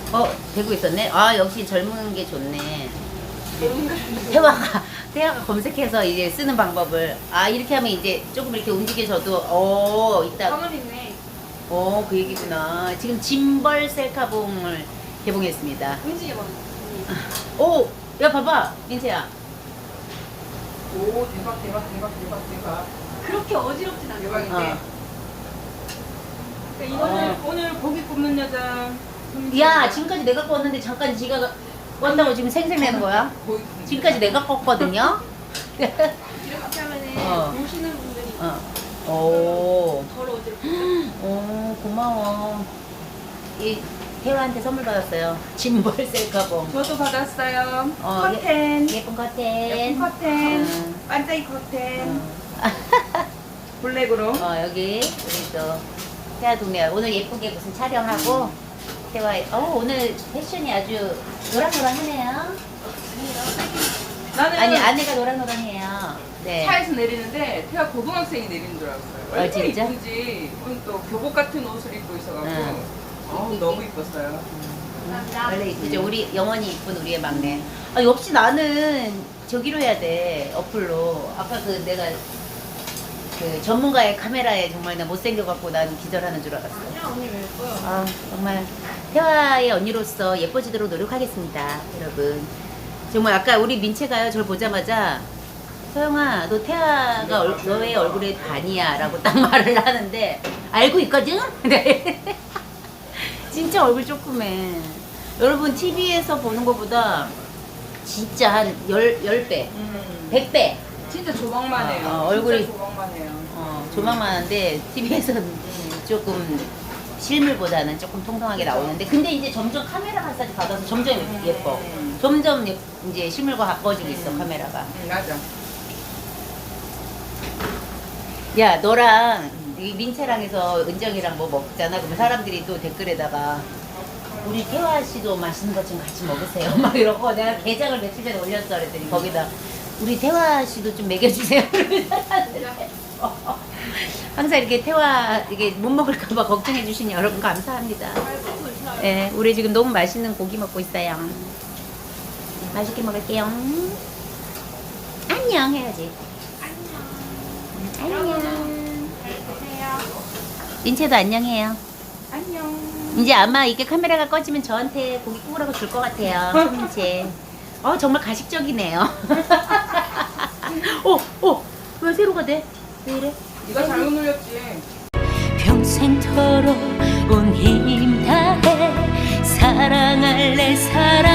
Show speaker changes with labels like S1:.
S1: 되고 있었네. 아, 역시 젊은 게 좋네. 태화가 검색해서 이제 쓰는 방법을. 아, 이렇게 하면 이제 조금 이렇게 움직여져도, 이따.
S2: 가만히 있네.
S1: 그 얘기구나. 지금 짐벌 셀카봉을 개봉했습니다.
S2: 움직여봐.
S1: 야, 봐봐, 민채야.
S3: 오, 대박, 대박, 대박, 대박, 대박.
S2: 그렇게 어지럽진 않아.
S3: 대박인데. 그러니까 이거는 오늘 고기 굽는 여자.
S1: 야, 지금까지 내가 껐는데 잠깐 지가 껐다고 지금 생색내는 거야?
S3: 고기 굽는
S1: 지금까지
S3: 여자.
S1: 내가 껐거든요?
S2: 이렇게 하면은 보시는 분들이
S1: 오,
S2: 덜 어지럽고.
S1: 고마워. 이 태화한테 선물 받았어요. 짐벌 셀카봉.
S3: 저도 받았어요.
S1: 커튼. 예쁜 커튼.
S3: 예쁜 커튼. 반짝이 커튼. 블랙으로.
S1: 여기 우리 또 태화 동네 오늘 예쁘게 무슨 촬영하고 태화 오늘 패션이 아주 노랑노랑하네요.
S3: 나는
S1: 아니 안내가 노랑노랑해요. 네.
S3: 차에서 내리는데 태아 고등학생이 내리는 줄 알았어요.
S1: 진짜?
S3: 이쁘지. 오늘 또 교복 같은 옷을 입고 있어가지고 너무 이뻤어요.
S1: 원래 이쁘죠. 우리 영원히 이쁜 우리의 막내. 역시 나는 저기로 해야 돼. 어플로. 아까 내가 전문가의 카메라에 정말 나 못생겨갖고 난 기절하는 줄 알았어.
S2: 아니야, 언니 왜 예뻐요?
S1: 정말 태화의 언니로서 예뻐지도록 노력하겠습니다, 여러분. 정말 아까 우리 민채가요, 저를 보자마자 서영아, 너 태화가 너의 얼굴의 반이야 라고 딱 말을 하는데 알고 있거든? 네. 진짜 얼굴 조그매. 여러분 TV에서 보는 것보다 진짜 한 10배, 100배
S3: 진짜 조망만 해요.
S1: 얼굴이-
S3: 진짜 조망만 해요.
S1: 조망만한데 TV에서는 조금 실물보다는 조금 통통하게 나오는데 근데 이제 점점 카메라 마사지 받아서 점점 예뻐. 점점 이제 실물과 가까워지고 있어 카메라가.
S3: 맞아.
S1: 야 너랑 이 민채랑 해서 은정이랑 뭐 먹잖아. 그러면 사람들이 또 댓글에다가 우리 태화 씨도 맛있는 것 좀 같이 먹으세요. 막 이러고 내가 게장을 며칠 전에 올렸어. 그랬더니 거기다 우리 태화 씨도 좀 먹여주세요. 항상 이렇게 태화 이게 못 먹을까봐 걱정해 주신 여러분 감사합니다. 네, 우리 지금 너무 맛있는 고기 먹고 있어요. 맛있게 먹을게요. 안녕 해야지. 안녕. 민채도 안녕해요.
S3: 안녕.
S1: 이제 아마 이게 카메라가 꺼지면 저한테 고기 구우라고 줄 것 같아요. 손민채. 정말 가식적이네요. 왜 세로가 돼? 왜 이래?
S3: 네가 잘못 눌렸지.
S1: 평생토록 온 힘 다해 사랑할래 사랑